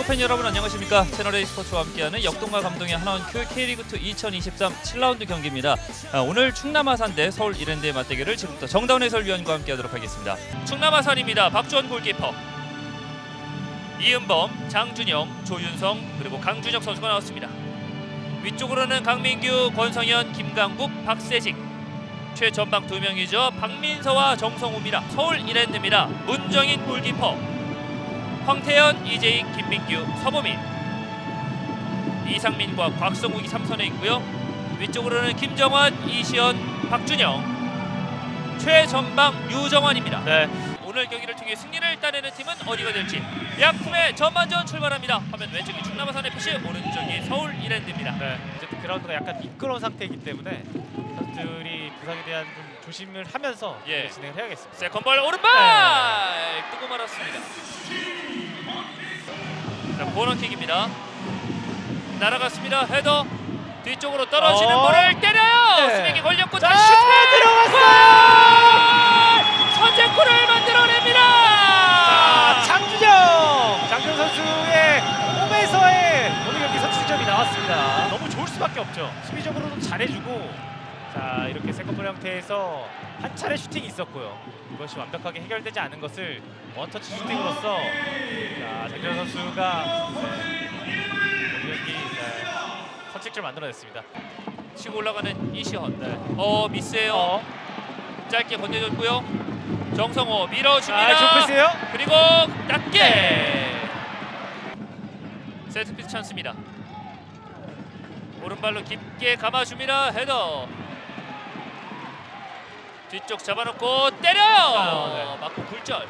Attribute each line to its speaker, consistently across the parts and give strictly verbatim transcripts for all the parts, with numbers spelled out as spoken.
Speaker 1: 팬 여러분 안녕하십니까. 채널A 스포츠와 함께하는 역동과 감동의 하나원큐 K리그투 이천이십삼 칠 라운드 경기입니다. 아, 오늘 충남 아산 대 서울 이랜드의 맞대결을 지금부터 정다운 해설위원과 함께하도록 하겠습니다. 충남 아산입니다. 박주원 골키퍼, 이은범, 장준영, 조윤성 그리고 강준혁 선수가 나왔습니다. 위쪽으로는 강민규, 권성현, 김강국, 박세식, 최전방 두 명이죠. 박민서와 정성우입니다. 서울 이랜드입니다. 문정인 골키퍼, 황태현, 이재익, 김민규, 서보민, 이상민과 곽성욱이 삼선에 있고요. 위쪽으로는 김정환, 이시연, 박준영, 최전방 유정환입니다.
Speaker 2: 네.
Speaker 1: 오늘 경기를 통해 승리를 따내는 팀은 어디가 될지 양 팀의 전반전 출발합니다. 화면 왼쪽이 충남 아산 에프씨, 오른쪽이 서울 이랜드입니다.
Speaker 2: 네. 이제 그라운드가 약간 미끄러운 상태이기 때문에 선수들이 부상에 대한 좀 조심을 하면서
Speaker 1: 예.
Speaker 2: 진행을 해야겠습니다.
Speaker 1: 세컨볼 오른발
Speaker 2: 네.
Speaker 1: 뜨고 말았습니다. 자, 코너킥입니다. 날아갔습니다. 헤더 뒤쪽으로 떨어지는
Speaker 2: 어?
Speaker 1: 볼을 때려요.
Speaker 2: 네.
Speaker 1: 스윙이 걸렸고
Speaker 2: 자,
Speaker 1: 다시 슈팅!
Speaker 2: 들어갔어요.
Speaker 1: 선제골을 만들어냅니다.
Speaker 2: 자, 장준영, 장준영 선수의 홈에서의 오늘 경기 선취점이 나왔습니다. 너무 좋을 수밖에 없죠. 수비적으로도 잘해주고, 자 이렇게 세컨볼 형태에서 한 차례 슈팅이 있었고요. 이것이 완벽하게 해결되지 않은 것을 원터치 슈팅으로서 자, 장준영 선수가 네, 오늘 경기 네, 선취점을 만들어냈습니다.
Speaker 1: 치고 올라가는 이시헌.
Speaker 2: 네.
Speaker 1: 어 미스예요.
Speaker 2: 어.
Speaker 1: 짧게 건네줬고요. 정성호 밀어줍니다.
Speaker 2: 아, 좋은 패스예요.
Speaker 1: 그리고 낮게
Speaker 2: 네.
Speaker 1: 세트피스 찬스입니다. 오른발로 깊게 감아줍니다. 헤더 뒤쪽 잡아놓고 때려요.
Speaker 2: 아, 네.
Speaker 1: 맞고 굴절.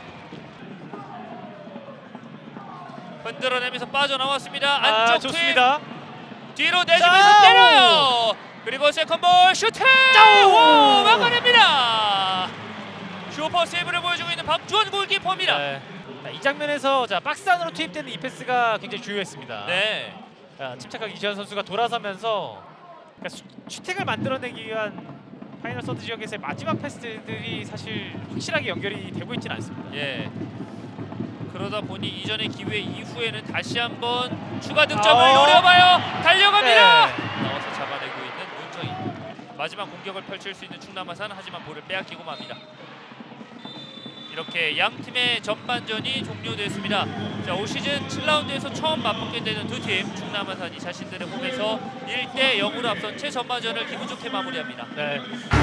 Speaker 1: 흔들어내면서 빠져나왔습니다.
Speaker 2: 아,
Speaker 1: 안쪽
Speaker 2: 좋습니다.
Speaker 1: 팀 뒤로 내주면서
Speaker 2: 짜오!
Speaker 1: 때려요. 그리고 세컨볼 슈팅!
Speaker 2: 짜오!
Speaker 1: 오, 막아냅니다. 슈퍼 세이브를 보여주고 있는 박주원 골키퍼입니다.
Speaker 2: 네. 자, 이 장면에서 자 박스 안으로 투입되는 이 패스가 굉장히 주요했습니다.
Speaker 1: 네.
Speaker 2: 자, 침착하게 이시현 선수가 돌아서면서 그러니까 슈, 슈팅을 만들어내기 위한 파이널 서드 지역에서의 마지막 패스들이 사실 확실하게 연결이 되고 있지는 않습니다.
Speaker 1: 예. 그러다 보니 이전의 기회 이후에는 다시 한번 추가 득점을
Speaker 2: 아,
Speaker 1: 노려봐요. 달려갑니다.
Speaker 2: 네.
Speaker 1: 나와서 잡아내고 있는 문정인. 마지막 공격을 펼칠 수 있는 충남 아산, 하지만 볼을 빼앗기고 맙니다. 이렇게 양 팀의 전반전이 종료됐습니다. 자, 올 시즌 칠 라운드에서 처음 맞붙게 되는 두 팀, 충남 아산이 자신들의 홈에서 일 대 영으로 앞선 최전반전을 기분 좋게 마무리합니다.
Speaker 2: 네.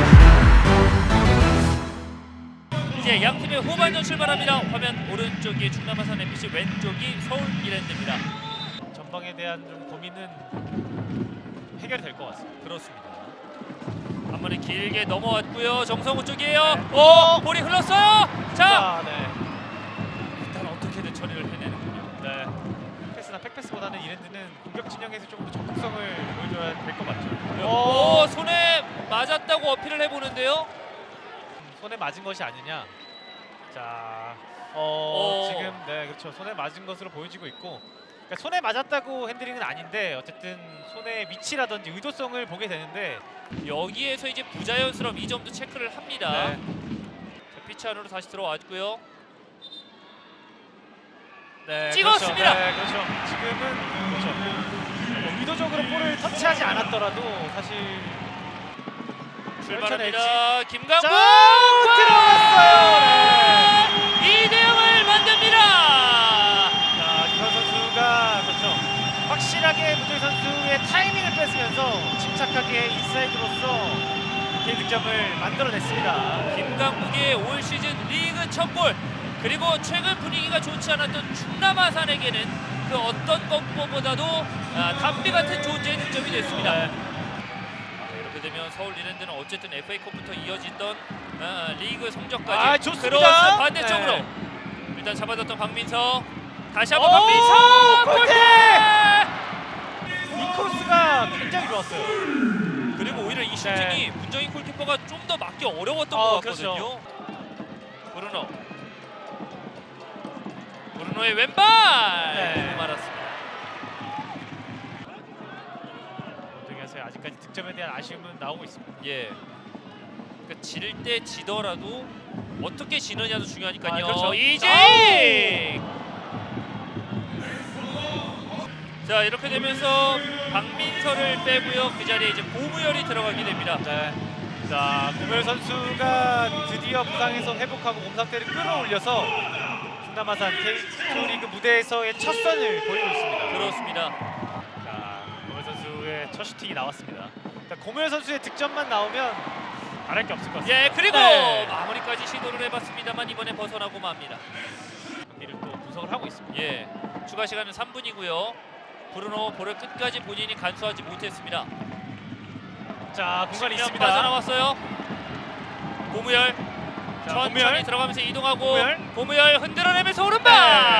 Speaker 1: 이제 양 팀의 후반전 출발합니다. 화면 오른쪽이 충남 아산 에프씨, 왼쪽이 서울 이랜드입니다.
Speaker 2: 전방에 대한 좀 고민은 해결이 될 것 같습니다.
Speaker 1: 그렇습니다. 한 번에 길게 넘어왔고요. 정성우 쪽이에요.
Speaker 2: 네.
Speaker 1: 오, 볼이 흘렀어요. 자,
Speaker 2: 아, 네.
Speaker 1: 일단 어떻게든 처리를 해내는군요.
Speaker 2: 네. 패스나 팩패스보다는 이랜드는 공격 진영에서 조금 더 적극성을 보여줘야 될 것 같죠.
Speaker 1: 오, 손에 맞았다고 어필을 해보는데요.
Speaker 2: 손에 맞은 것이 아니냐. 자, 어,
Speaker 1: 오.
Speaker 2: 지금 네 그렇죠. 손에 맞은 것으로 보여지고 있고, 그러니까 손에 맞았다고 핸들링은 아닌데 어쨌든 손의 위치라든지 의도성을 보게 되는데
Speaker 1: 여기에서 이제 부자연스러움 이 점도 체크를 합니다.
Speaker 2: 네.
Speaker 1: 자, 피치 안으로 다시 들어왔고요.
Speaker 2: 네,
Speaker 1: 찍었습니다.
Speaker 2: 그렇죠. 네, 그렇죠. 지금은 그렇죠. 뭐 의도적으로 볼을 터치하지 않았더라도 사실
Speaker 1: 출발합니다. 김강국
Speaker 2: 자, 들어갔어요. 네.
Speaker 1: 이 대 영을 만듭니다.
Speaker 2: 자, 김현 선수가 그렇죠. 확실하게 문정인 선수의 타이밍을 뺏으면서 침착하게 인사이드로서 개인 득점을 만들어냈습니다.
Speaker 1: 김강국의 올 시즌 리그 첫 골, 그리고 최근 분위기가 좋지 않았던 충남 아산에게는 그 어떤 것보다도 아, 담비 같은 존재의 득점이 됐습니다.
Speaker 2: 네.
Speaker 1: 네, 이렇게 되면 서울 이랜드는 어쨌든 에프에이컵부터 이어지던 아, 리그 성적까지
Speaker 2: 아, 좋습니다.
Speaker 1: 들어와서 반대쪽으로
Speaker 2: 네.
Speaker 1: 일단 잡아줬던 박민서, 다시 한번
Speaker 2: 오,
Speaker 1: 박민서
Speaker 2: 골대!
Speaker 1: 골대!
Speaker 2: 이 코스가 굉장히 좋았어요.
Speaker 1: 그리고 오히려 이 슈팅이
Speaker 2: 네.
Speaker 1: 문정인 골키퍼가 좀 더 맞기 어려웠던
Speaker 2: 어,
Speaker 1: 것 같거든요.
Speaker 2: 그렇죠.
Speaker 1: 브루노, 브루노의 왼발
Speaker 2: 네.
Speaker 1: 말았습니다.
Speaker 2: 문정인 아직까지 득점에 대한 아쉬움은 나오고 있습니다.
Speaker 1: 예. 그러니까 질 때 지더라도 어떻게 지느냐도 중요하니까요.
Speaker 2: 아, 그렇죠.
Speaker 1: 이재익! 자 이렇게 되면서 박민서를 빼고요. 그 자리에 이제 고무열이 들어가게 됩니다.
Speaker 2: 네. 자, 고무열 선수가 드디어 부상에서 회복하고 몸 상태를 끌어올려서 충남 아산 케이투 리그 무대에서의 첫 선을 보이고 있습니다.
Speaker 1: 그렇습니다.
Speaker 2: 자, 고무열 선수의 첫 슈팅이 나왔습니다. 자, 고무열 선수의 득점만 나오면 말할 게 없을 것 같습니다.
Speaker 1: 예 그리고
Speaker 2: 네.
Speaker 1: 마무리까지 시도를 해봤습니다만 이번에 벗어나고 맙니다.
Speaker 2: 경기를 또 분석을 하고 있습니다.
Speaker 1: 예 추가 시간은 삼 분이고요. 브루노 볼을 끝까지 본인이 간수하지 못했습니다.
Speaker 2: 자, 공간이
Speaker 1: 측면
Speaker 2: 있습니다.
Speaker 1: 빠져나왔어요. 고무열
Speaker 2: 자,
Speaker 1: 천천히
Speaker 2: 고무열.
Speaker 1: 들어가면서 이동하고
Speaker 2: 고무열.
Speaker 1: 고무열 흔들어내면서 오른발.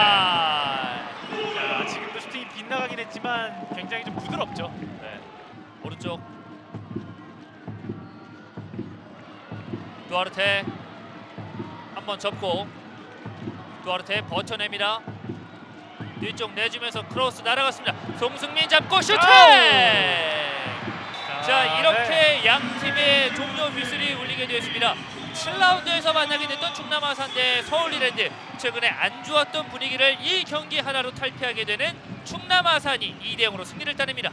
Speaker 2: 자, 지금도 슈팅이 빗나가긴 했지만 굉장히 좀 부드럽죠. 네.
Speaker 1: 오른쪽 두아르테 한번 접고 두아르테 버텨냅니다. 뒤쪽 내주면서 크로스 날아갔습니다. 송승민 잡고 슈팅! 자 이렇게
Speaker 2: 네.
Speaker 1: 양 팀의 종료 휘슬이 울리게 되었습니다. 칠 라운드에서 만나게 됐던 충남 아산 대 서울 이랜드. 최근에 안 좋았던 분위기를 이 경기 하나로 탈피하게 되는 충남 아산이 이 대 영으로 승리를 따냅니다.